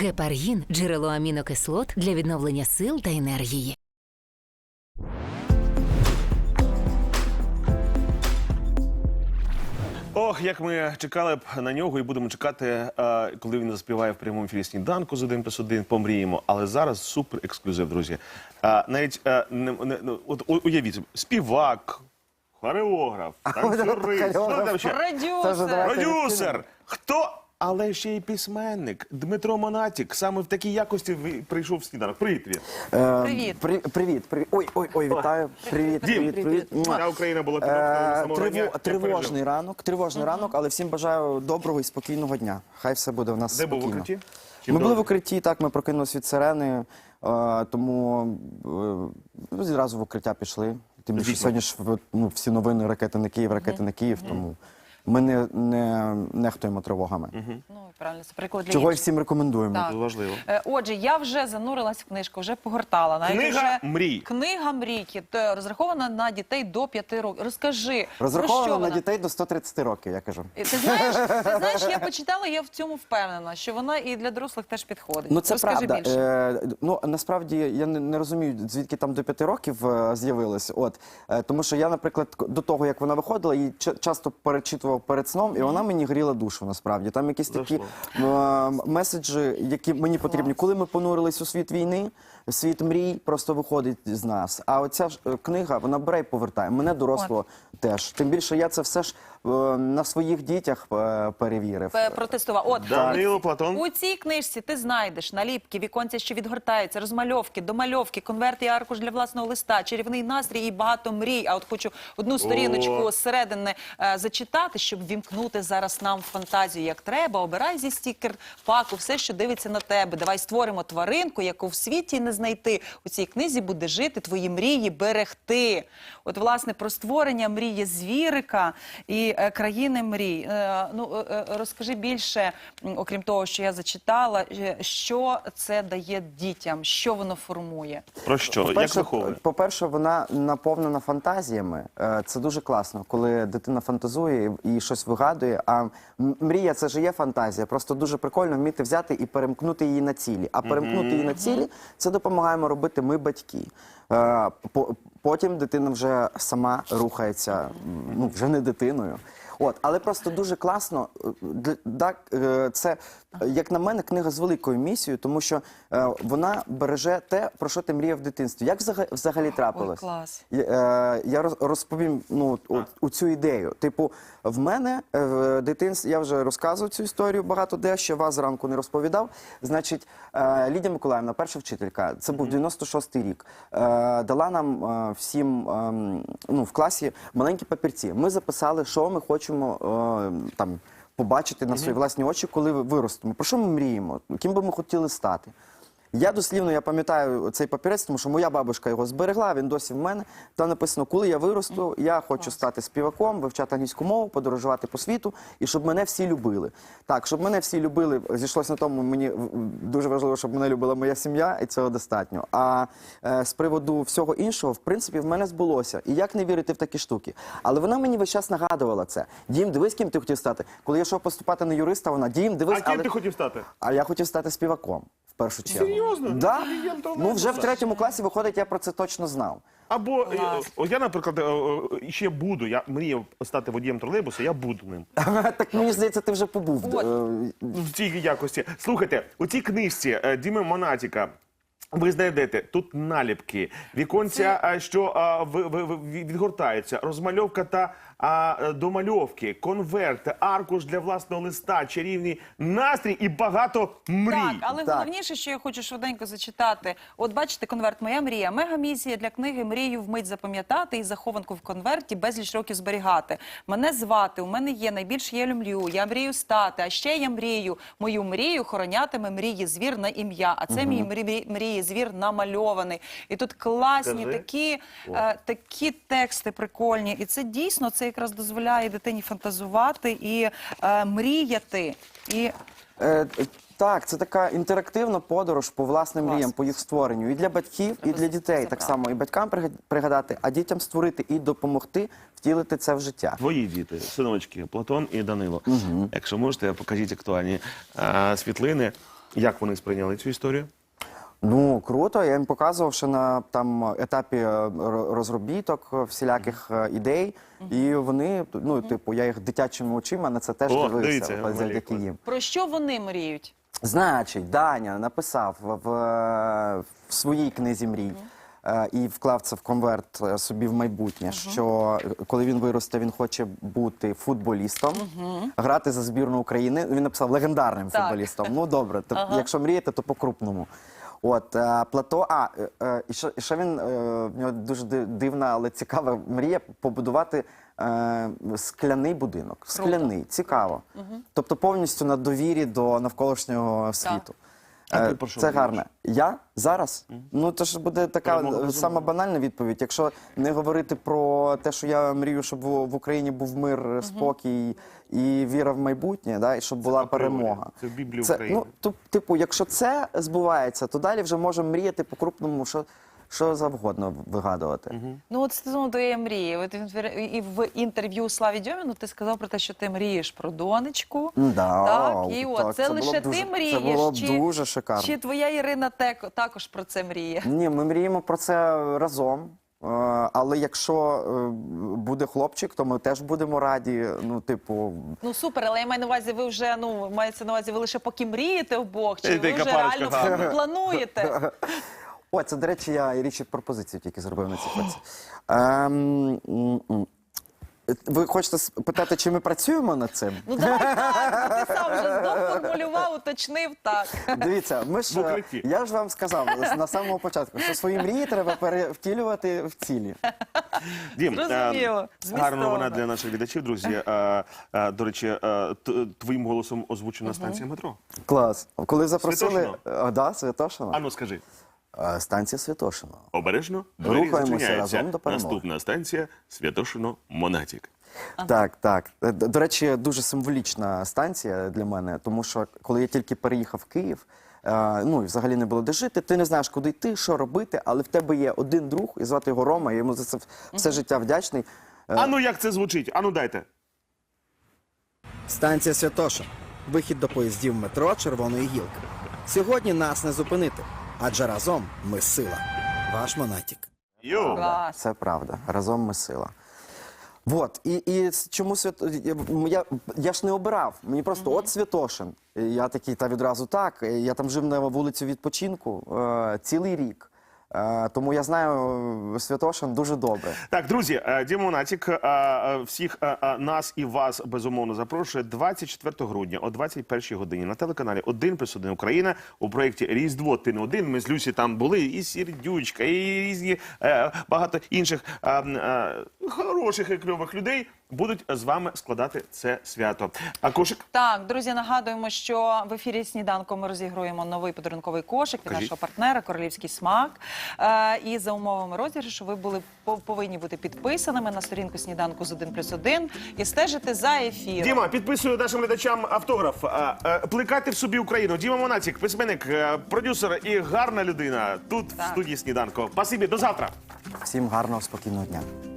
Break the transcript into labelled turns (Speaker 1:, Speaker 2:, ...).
Speaker 1: Гепаргін – джерело амінокислот для відновлення сил та енергії.
Speaker 2: Ох, як ми чекали б на нього і будемо чекати, коли він заспіває в прямому ефірі «Сніданку» з 1+1, помріємо. Але зараз супер ексклюзив, друзі. Навіть, от уявіть, співак, хореограф, танцюрист, продюсер, хто? Але ще й письменник Дмитро Монатік. Саме в такій якості прийшов в «Сніданок». Привіт, Вір.
Speaker 3: Привіт. Ой, вітаю. Привіт.
Speaker 2: Вся Україна була
Speaker 3: Тривожний ранок, але всім бажаю доброго і спокійного дня. Хай все буде у нас спокійно.
Speaker 2: Де був в укритті?
Speaker 3: Ми були в укритті, так, ми прокинулись від сирени, тому зразу в укриття пішли. Тим більше сьогодні ж всі новини ракети на Київ, тому ми не нехтуємо тривогами.
Speaker 4: Ну, правильно, це приклад для
Speaker 3: Чого і
Speaker 4: інших.
Speaker 3: всім рекомендуємо.
Speaker 4: Так.
Speaker 2: Це важливо.
Speaker 4: Отже, я вже занурилась в книжку, вже погортала. Навіть
Speaker 2: Книга
Speaker 4: вже...
Speaker 2: мрій.
Speaker 4: Книга мрійки, розрахована на дітей до 5 років. Розкажи, про що
Speaker 3: Розраховано
Speaker 4: вона?
Speaker 3: на дітей до 130 років, я кажу.
Speaker 4: Ти знаєш, я почитала, я в цьому впевнена, що вона і для дорослих теж підходить.
Speaker 3: Ну, це
Speaker 4: Розкажи
Speaker 3: правда.
Speaker 4: більше.
Speaker 3: Насправді, я не розумію, звідки там до 5 років з'явилось. Тому що я, наприклад, до того, як вона виходила, її часто перечитував перед сном, і вона мені гріла душу, насправді. Там якісь такі меседжі, які мені потрібні. Коли ми понурились у світ війни, світ мрій просто виходить з нас. А оця ж книга, вона бере і повертає. Мене дорослого теж. Тим більше я це все ж на своїх дітях перевірив.
Speaker 4: Протестував.
Speaker 2: Данило, Платон.
Speaker 4: У цій книжці ти знайдеш наліпки, віконця, що відгортаються, розмальовки, домальовки, конверт і аркуш для власного листа, чарівний настрій і багато мрій. А от хочу одну сторіночку зсередини зачитати, щоб вімкнути зараз нам фантазію як треба. Обирай зі стікер-паку все, що дивиться на тебе. Давай створимо тваринку, яку в світі не знайти. У цій книзі буде жити, твої мрії берегти. От, власне, про створення мрії звірика і країни мрій. Розкажи більше, окрім того, що я зачитала, що це дає дітям, що воно формує?
Speaker 2: Про що? Як виховує?
Speaker 3: По-перше, вона наповнена фантазіями. Це дуже класно, коли дитина фантазує і щось вигадує. А мрія – це ж є фантазія. Просто дуже прикольно вміти взяти і перемкнути її на цілі. А перемкнути її на цілі – це допомагаємо робити ми, батьки. Потім дитина вже сама рухається, вже не дитиною. Але просто дуже класно, це, як на мене, книга з великою місією, тому що вона береже те, про що ти мріяв в дитинстві. Як взагалі трапилось?
Speaker 4: Ой, клас.
Speaker 3: Я розповім у цю ідею. Типу, в мене в дитинстві, я вже розказував цю історію багато де, що вас зранку не розповідав. Значить, Лідія Миколаївна, перша вчителька, це був 96-й рік, дала нам всім в класі маленькі папірці. Ми записали, що ми хочемо побачити на свої власні очі, коли виростемо. Про що ми мріємо? Ким би ми хотіли стати? Я дослівно, я пам'ятаю цей папірець, тому що моя бабушка його зберегла, він досі в мене. Там написано, коли я виросту, я хочу стати співаком, вивчати англійську мову, подорожувати по світу, і щоб мене всі любили. Так, щоб мене всі любили, зійшлося на тому, мені дуже важливо, щоб мене любила моя сім'я, і цього достатньо. А з приводу всього іншого, в принципі, в мене збулося. І як не вірити в такі штуки? Але вона мені весь час нагадувала це. Дім, дивись, ким ти хотів стати. Коли я йшов поступати на юриста, вона, Дім, дивись,
Speaker 2: А ким ти хотів стати?
Speaker 3: А я хотів стати співаком. В першу чергу.
Speaker 2: Серйозно?
Speaker 3: Да. Вже в 3-му класі, виходить, я про це точно знав.
Speaker 2: Або, я, наприклад, ще буду, я мріяв стати водієм тролейбуса, я буду ним.
Speaker 3: Так, мені здається, ти вже побув.
Speaker 2: В цій якості. Слухайте, у цій книжці Діми Монатіка ви знайдете тут наліпки, віконця, що відгортаються, розмальовка та домальовки, конверт, аркуш для власного листа, чарівний настрій і багато мрій.
Speaker 4: Так, але головніше, що я хочу швиденько зачитати. От бачите, конверт «Моя мрія». Мегамісія для книги «Мрію вмить запам'ятати» і захованку в конверті безліч років зберігати. Мене звати, у мене є, найбільше я люблю, я мрію стати, а ще я мрію. Мою мрію хоронятиме мрії звір на ім'я. А це мій мрії звір намальований. І тут класні такі тексти прикольні. І це дійсно, це якраз дозволяє дитині фантазувати і мріяти.
Speaker 3: Так, це така інтерактивна подорож по власним мріям, по їх створенню. І для батьків, і для дітей. Так само і батькам пригадати, а дітям створити і допомогти втілити це в життя.
Speaker 2: Твої діти, синочки, Платон і Данило. Якщо можете, покажіть актуальні світлини. Як вони сприйняли цю історію?
Speaker 3: Ну, круто, я їм показував, що на там етапі розробіток всіляких ідей, і вони, ну, типу, я їх дитячими очима на це теж
Speaker 2: О,
Speaker 3: дивився,
Speaker 2: дивіться,
Speaker 3: завдяки
Speaker 2: Валерій,
Speaker 3: їм.
Speaker 4: Про що вони мріють?
Speaker 3: Значить, Даня написав в своїй книзі мрій і вклав це в конверт собі в майбутнє, що коли він виросте, він хоче бути футболістом, грати за збірну України. Він написав легендарним
Speaker 4: Так.
Speaker 3: футболістом. Ну добре, якщо мрієте, то по-крупному. От Плато, і ще він в нього дуже дивна, але цікава мрія побудувати скляний будинок. Скляний, цікаво. Тобто повністю на довірі до навколишнього світу.
Speaker 2: А ти про що
Speaker 3: Це
Speaker 2: мрієш?
Speaker 3: гарно. Я зараз? Ну, це ж буде така сама банальна відповідь. Якщо не говорити про те, що я мрію, щоб в Україні був мир, спокій і віра в майбутнє, да, і щоб була
Speaker 2: апріорі.
Speaker 3: перемога.
Speaker 2: Це в Біблії України.
Speaker 3: Ну, типу, якщо це збувається, то далі вже можемо мріяти по-крупному, що завгодно вигадувати.
Speaker 4: Ну, от стосовно твоєї мрії. От і в інтерв'ю Славі Дьоміну ти сказав про те, що ти мрієш про донечку.
Speaker 3: Да,
Speaker 4: Так, і от
Speaker 3: так,
Speaker 4: це
Speaker 3: було б
Speaker 4: лише
Speaker 3: дуже-
Speaker 4: ти мрієш.
Speaker 3: Це було б
Speaker 4: чи,
Speaker 3: дуже шикарно.
Speaker 4: Чи твоя Ірина також про це мріє?
Speaker 3: Ні, ми мріємо про це разом. Але якщо буде хлопчик, то ми теж будемо раді. Ну, типу,
Speaker 4: Ну супер, але я маю на увазі, ви вже, мається на увазі, ви лише поки мрієте вбох, чи ви
Speaker 2: Яка
Speaker 4: вже
Speaker 2: парочка
Speaker 4: реально
Speaker 2: гарна.
Speaker 4: плануєте?
Speaker 3: о, це, до речі, я річ пропозицію тільки зробив на цій фоці. Ви хочете спитати, чи ми працюємо над цим?
Speaker 4: Ну давай так, ти сам вже доформулював, уточнив так.
Speaker 3: Дивіться, ми
Speaker 2: В
Speaker 3: ж
Speaker 2: укритті.
Speaker 3: я ж вам сказав на самому початку, що свої мрії треба перевтілювати в цілі.
Speaker 2: Дім,
Speaker 4: Зрозуміло. Змістовно.
Speaker 2: гарна новина для наших глядачів, друзі. До речі, твоїм голосом озвучена станція метро.
Speaker 3: Клас. Коли запросили,
Speaker 2: Святошино?
Speaker 3: Да, Святошино.
Speaker 2: Ану, скажи.
Speaker 3: Станція Святошино.
Speaker 2: Обережно, двері
Speaker 3: Рухаємося
Speaker 2: зачиняються.
Speaker 3: разом до перемоги.
Speaker 2: Наступна станція Святошино-Монатік.
Speaker 3: Так, так. До речі, дуже символічна станція для мене, тому що коли я тільки переїхав в Київ, ну і взагалі не було де жити, ти не знаєш, куди йти, що робити, але в тебе є один друг, і звати його Рома, я йому за це все життя вдячний.
Speaker 2: Ану, як це звучить? Ану, дайте.
Speaker 5: Станція Святоша. Вихід до поїздів метро Червоної гілки. Сьогодні нас не зупинити, адже разом ми сила. Ваш Монатік.
Speaker 2: Йоу.
Speaker 4: Клас.
Speaker 3: Це правда. Разом ми сила. Вот. І чому я ж не обирав. Мені просто от Святошин. І я такий, та відразу так. Я там жив на вулицю відпочинку цілий рік. Тому я знаю Святошин дуже добре.
Speaker 2: Так, друзі, Діма Монатік всіх нас і вас, безумовно, запрошує 24 грудня о 21 годині на телеканалі 1+1 Україна у проєкті «Різдво, ти не один». Ми з Люсі там були, і Сердючка, і різні багато інших хороших і кльових людей будуть з вами складати це свято. А кошик?
Speaker 4: Так, друзі, нагадуємо, що в ефірі «Сніданку» ми розігруємо новий подарунковий кошик від
Speaker 2: Кажіть.
Speaker 4: нашого партнера «Королівський смак». І за умовами розіграшу ви повинні бути підписаними на сторінку «Сніданку» з 1+1 і стежити за ефіром.
Speaker 2: Діма, підписую нашим глядачам автограф. Плекати в собі Україну. Діма Монатік, письменник, продюсер і гарна людина тут в студії «Сніданку». Спасибі, до завтра.
Speaker 3: Всім гарного, спокійного дня.